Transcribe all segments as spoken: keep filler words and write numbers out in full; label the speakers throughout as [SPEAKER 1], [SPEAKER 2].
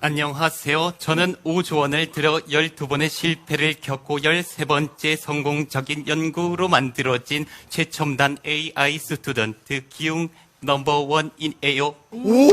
[SPEAKER 1] 안녕하세요. 저는 오조 원을 들여 열두 번의 실패를 겪고 열세 번째 성공적인 연구로 만들어진 최첨단 에이아이 스튜던트 기웅 넘버원이에요.
[SPEAKER 2] 오!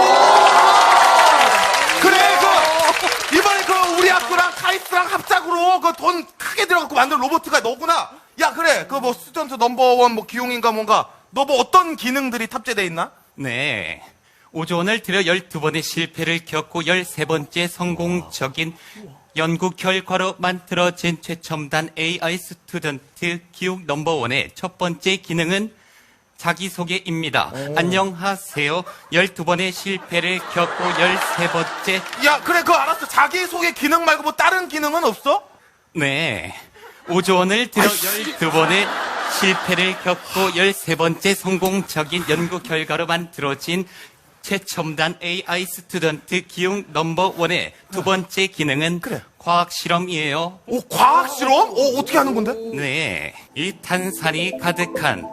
[SPEAKER 2] 그래, 그, 이번에 그 우리 학교랑 카이스트랑 합작으로 그 돈 크게 들어갖고 만든 로봇가 너구나. 야, 그래. 그 뭐 스튜던트 넘버원 뭐 기용인가 뭔가. 너 뭐 어떤 기능들이 탑재돼 있나?
[SPEAKER 1] 네. 오조 원을 들여 열두 번의 실패를 겪고 열세 번째 성공적인 연구 결과로 만들어진 최첨단 에이아이 스튜던트 기욱 넘버원의 첫 번째 기능은 자기소개입니다. 오. 안녕하세요. 열두 번의 실패를 겪고 열세 번째.
[SPEAKER 2] 야, 그래, 그거 알았어. 자기소개 기능 말고 뭐 다른 기능은 없어?
[SPEAKER 1] 네. 오조 원을 들여 열두 번의 실패를 겪고 열세 번째 성공적인 연구 결과로 만들어진 최첨단 에이아이 스튜던트 기웅 넘버원의 두 번째 기능은
[SPEAKER 2] 그래.
[SPEAKER 1] 과학 실험이에요.
[SPEAKER 2] 오, 과학 실험? 오, 어떻게 하는 건데?
[SPEAKER 1] 네. 이 탄산이 가득한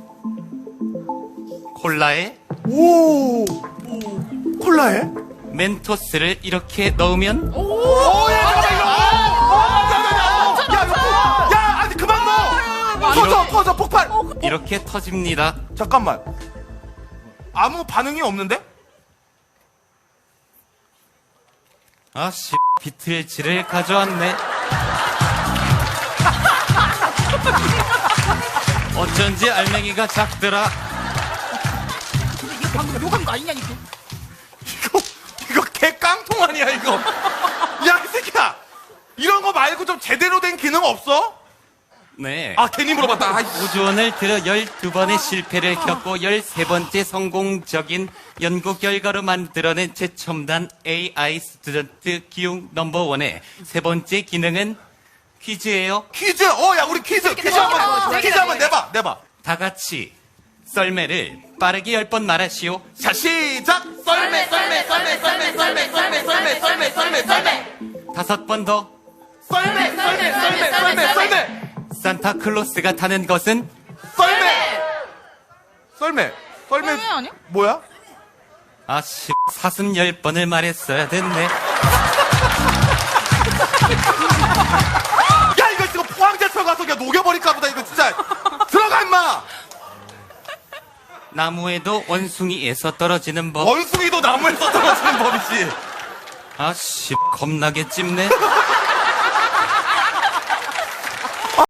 [SPEAKER 1] 콜라에
[SPEAKER 2] 오, 콜라에?
[SPEAKER 1] 멘토스를 이렇게 넣으면
[SPEAKER 2] 오, 야, 잠깐만, 이거! 어, 야, 야, 야, 야, 이거, 야, 아니, 그만 넣어! 터져, 터져, 폭발!
[SPEAKER 1] 이렇게 터집니다.
[SPEAKER 2] 잠깐만. 아무 반응이 없는데?
[SPEAKER 1] 아씨, 비틀즈를 가져왔네. 어쩐지 알맹이가 작더라.
[SPEAKER 3] 근데 이거 방금 욕한 거 아니냐니까.
[SPEAKER 2] 이거, 이거 개 깡통 아니야, 이거. 야, 이 새끼야! 이런 거 말고 좀 제대로 된 기능 없어?
[SPEAKER 1] 네.
[SPEAKER 2] 아, 괜히 물어봤다. 아이,
[SPEAKER 1] 오조 원을 들여 열두 번의 실패를 겪고 열세 번째 성공적인 연구 결과로 만들어낸 최첨단 에이아이 스튜던트 기웅 넘버원의 세 번째 기능은 퀴즈예요.
[SPEAKER 2] 퀴즈! 어, 야, 우리 퀴즈! 퀴즈 한 번, 퀴즈 한 번 내봐, 내봐.
[SPEAKER 1] 다 같이 썰매를 빠르게 열 번 말하시오.
[SPEAKER 2] 자, 시작! 썰매, 썰매, 썰매, 썰매, 썰매, 썰매, 썰매, 썰매, 썰매, 썰매.
[SPEAKER 1] 다섯 번 더.
[SPEAKER 2] 썰매, 썰매, 썰매, 썰매, 썰매.
[SPEAKER 1] 산타클로스가 타는 것은
[SPEAKER 2] 썰매! 썰매. 썰매.
[SPEAKER 3] 썰매 아니야?
[SPEAKER 2] 뭐야?
[SPEAKER 1] 아씨, 사슴 열 번을 말했어야 됐네.
[SPEAKER 2] 야, 이거 지금 포항제철 가서 그냥 녹여버릴까 보다, 이거 진짜. 들어가, 임마!
[SPEAKER 1] 나무에도 원숭이에서 떨어지는 법.
[SPEAKER 2] 원숭이도 나무에서 떨어지는 법이지.
[SPEAKER 1] 아씨, 겁나게 찝네.